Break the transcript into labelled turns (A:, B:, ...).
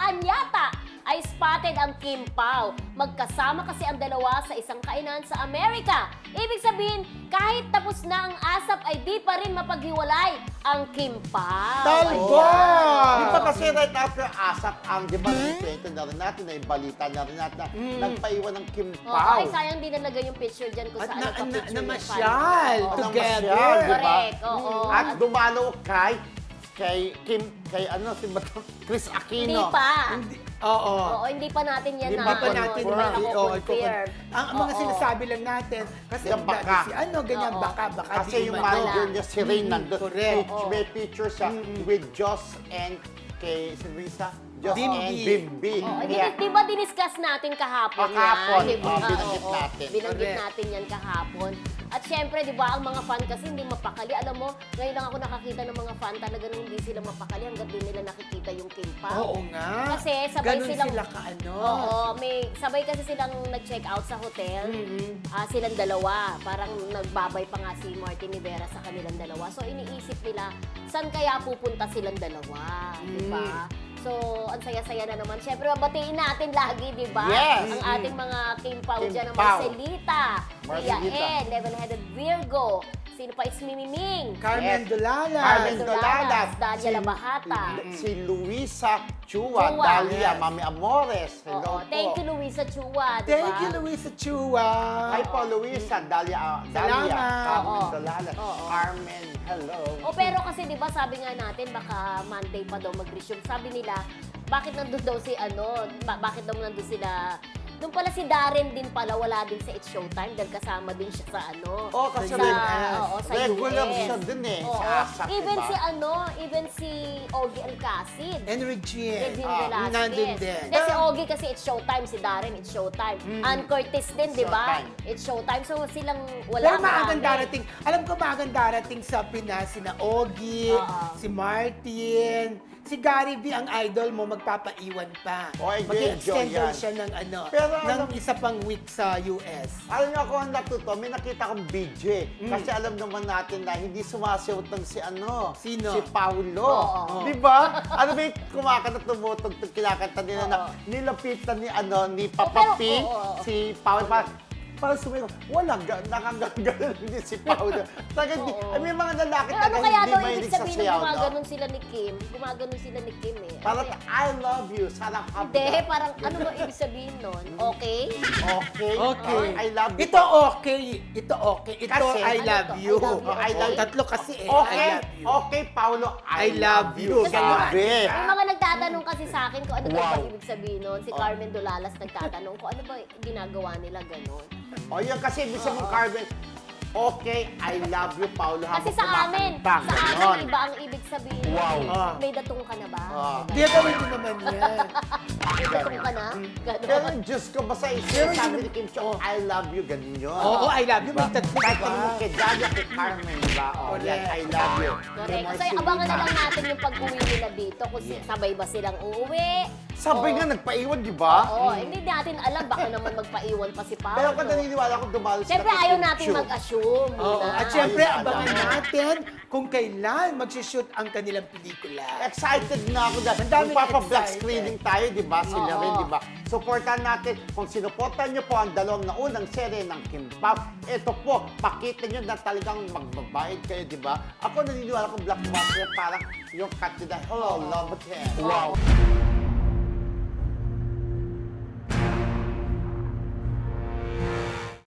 A: saan yata ay spotted ang Kim Pao. Magkasama kasi ang dalawa sa isang kainan sa Amerika. Ibig sabihin, kahit tapos na ang ASAP ay di pa rin mapaghiwalay ang Kim Pao.
B: Talbo!
A: Ayan.
B: Di ba kasi right after ASAP ang, di ba, kwento na rin natin, na yung balita na rin natin, na nagpaiwan ng Kim
A: Oo,
B: Pao.
A: ay sayang din nalagay yung picture dyan kung
C: At
A: saan nagpa-picture yung
C: namasyal
A: fan. Oo.
C: together.
B: Namasyal, di ba?
A: Correct, oo.
B: At dumalo kay ano, si Chris Aquino.
A: Hindi pa.
C: Oo.
A: Oo, hindi pa natin yan
B: Hindi
A: na
B: pa natin
A: confirm.
C: Ang mga
A: Oo.
C: sinasabi lang natin, kasi
B: Yung baka.
C: si ano, ganyan,
A: Oo.
C: baka
B: Kasi
C: di
B: yung
C: umano.
B: manager niya, si Rain, nandun.
C: correct.
B: May picture siya with Joss and kay si Luisa. Joss
C: Bimbi.
B: and Bimbi.
A: Oo,
B: Kaya,
A: di ba diniscuss natin kahapon
B: Kahapon,
A: yan? Di ba?
B: binanggit
A: Oo,
B: natin.
A: Binanggit
C: Correct.
A: natin yan kahapon. At syempre, di ba, ang mga fan kasi hindi mapakali. Alam mo, ngayon lang ako nakakita ng mga fan talaga nung hindi sila mapakali hanggang di nila nakikita yung Kim Pao.
C: Oo nga.
A: Kasi sabay
C: Ganun
A: silang...
C: sila kaano.
A: Oo, sabay kasi silang nag-check out sa hotel. Silang dalawa. Parang nagbabay pa nga si Martin Rivera sa kanilang dalawa. So, iniisip nila, saan kaya pupunta silang dalawa? Di ba? So, ang saya-saya na naman. Siyempre, mabatiin natin lagi, di ba?
B: Yes.
A: Ang ating mga Kim Pao
B: Kim
A: dyan, ang
B: Pao.
A: Marcelita, Tia
B: Marcelita.
A: N, Level-Headed Virgo, sino pa, It's Mimiming,
C: Carmen
B: Yes.
C: Dolalas.
B: Carmen
A: Dolalas,
B: Dolalas.
A: Dalia Labahata.
B: si Luisa Chua,
A: Chua.
B: Dalia,
C: Yes.
B: Mami Amores.
A: Oo,
B: Hello
A: thank
B: po.
A: you, Luisa Chua, di ba?
C: Thank you, Luisa Chua.
B: Hi po, Luisa, Dalia,
C: Salamat.
B: Carmen
A: Oo.
B: Dolalas.
A: Oo.
B: Carmen, hello.
A: O pero kasi 'di ba sabi nga natin baka Monday pa daw mag-resume. Sabi nila, bakit nandun daw si bakit daw nandun sila? Doon pala si Darren din pala, wala din sa It's Showtime dahil kasama din siya sa
B: Oh, kasi
A: sa, sa
B: regular
A: US.
B: siya din eh,
A: Oo.
B: sa ASAP,
A: Even
B: diba?
A: even si Ogie Alcacid.
C: And Regine.
A: Regine
C: nandun
A: Velasquez.
C: din.
A: Hindi, si Ogie kasi It's Showtime, si Darren It's Showtime. Ann Curtis din, di ba?
B: Showtime.
A: It's Showtime. So silang wala
C: Pero maagang
A: marami.
C: darating, alam ko maagang darating sa Pinas, sina Ogie,
A: Oo.
C: si Martin, si Gary V ang idol mo, magpapaiwan pa.
B: Oh,
C: Mag-extend
B: enjoy
C: daw
B: yan.
C: siya ng
B: Pero
C: ng
B: alam-
C: isa pang week sa US.
B: Alam niyo ako ang natuto, may nakita akong video. Kasi alam naman natin na hindi sumasayaw ng si
C: Sino?
B: Si Paulo.
A: Oo.
B: Di ba? Ano ba yung kumakanta, tumutugtog, kinakanta nila na
A: Oo.
B: nilapitan ni
A: pero,
B: Papa P,
A: oo.
B: si Paulo. Parang sumigaw, walang nakagagalan din si Paulo. Talaga,
A: Oo.
B: may mga lalaki
A: Pero ano
B: talaga
A: kaya
B: hindi
A: daw
B: mahilig
A: ibig
B: sa
A: sabihin
B: sayaw,
A: ng
B: no?
A: gumaganon sila ni Kim? Gumaganon sila ni Kim eh.
B: Parang,
A: Kasi-
B: I love you, sarap ka.
A: Hindi, parang ano ba ibig sabihin nun? Okay?
B: Okay.
C: Okay.
B: I love you.
C: Ito okay. Ito okay. Ito
B: Kasi-
C: I
A: Ano
C: love
A: to?
C: you.
A: I love you,
B: I love you.
C: Tatlo kasi eh.
B: Okay,
C: I love you.
B: okay, Paulo,
C: I love you.
B: Sabi.
A: May mga nagtatanong kasi sa akin kung ano daw ba
B: Wow.
A: ibig sabihin nun. Si Carmen Dolalas nagtatanong kung ano ba ginagawa nila ganon.
B: O yun kasi ibig sabihin, Carmen, okay, I love you, Paulo.
A: Kasi
B: habang
A: sa amin
B: kumakanta. Ganon.
A: iba ang ibig sabihin.
B: Wow.
A: May datong ka na ba?
C: Di gawin ko naman yan.
A: May datong ka na?
B: Pero
A: Ganon.
B: Diyos ko, basta
C: Pero
B: sabi
C: yun-
B: ni Kim Cho, I love you, ganun yun.
C: Oo, I love you. May tatlo,
B: Kahit
C: diba?
B: mo kay Dalia, kay Carmen, diba? O, yan, I love you.
A: Correct.
B: Kay
A: So, abangan na
B: Marcelita.
A: lang natin yung pag-uwi nila dito kung sabay ba silang uuwi.
B: Sabay
A: O-
B: nga, nagpaiwan, di ba?
A: Oo, hindi natin alam. Baka naman magpaiwan pa si Paolo.
B: Pero kung naniniwala ko, dumalo sila
A: Siyempre,
B: kay
A: ayaw
B: Kim
A: natin
B: Chiu.
A: mag-assume.
C: Oo.
A: muna.
C: At syempre,
B: Ayun,
C: abangan
B: alam.
C: natin kung kailan mag-shoot ang kanilang pelikula.
B: Excited na ako dahil
C: Ang daming
B: magpapa-black
C: excited.
B: screening tayo, di ba? Sila
A: Oo.
B: rin, di ba? Supportan natin. Kung sinuportan niyo po ang dalawang naunang serye ng Kim Pao, ito po, pakita niyo na talagang magbabayad kayo, di ba? Ako naniniwala ko blockbuster parang yung cut to the, oh, love it. Wow.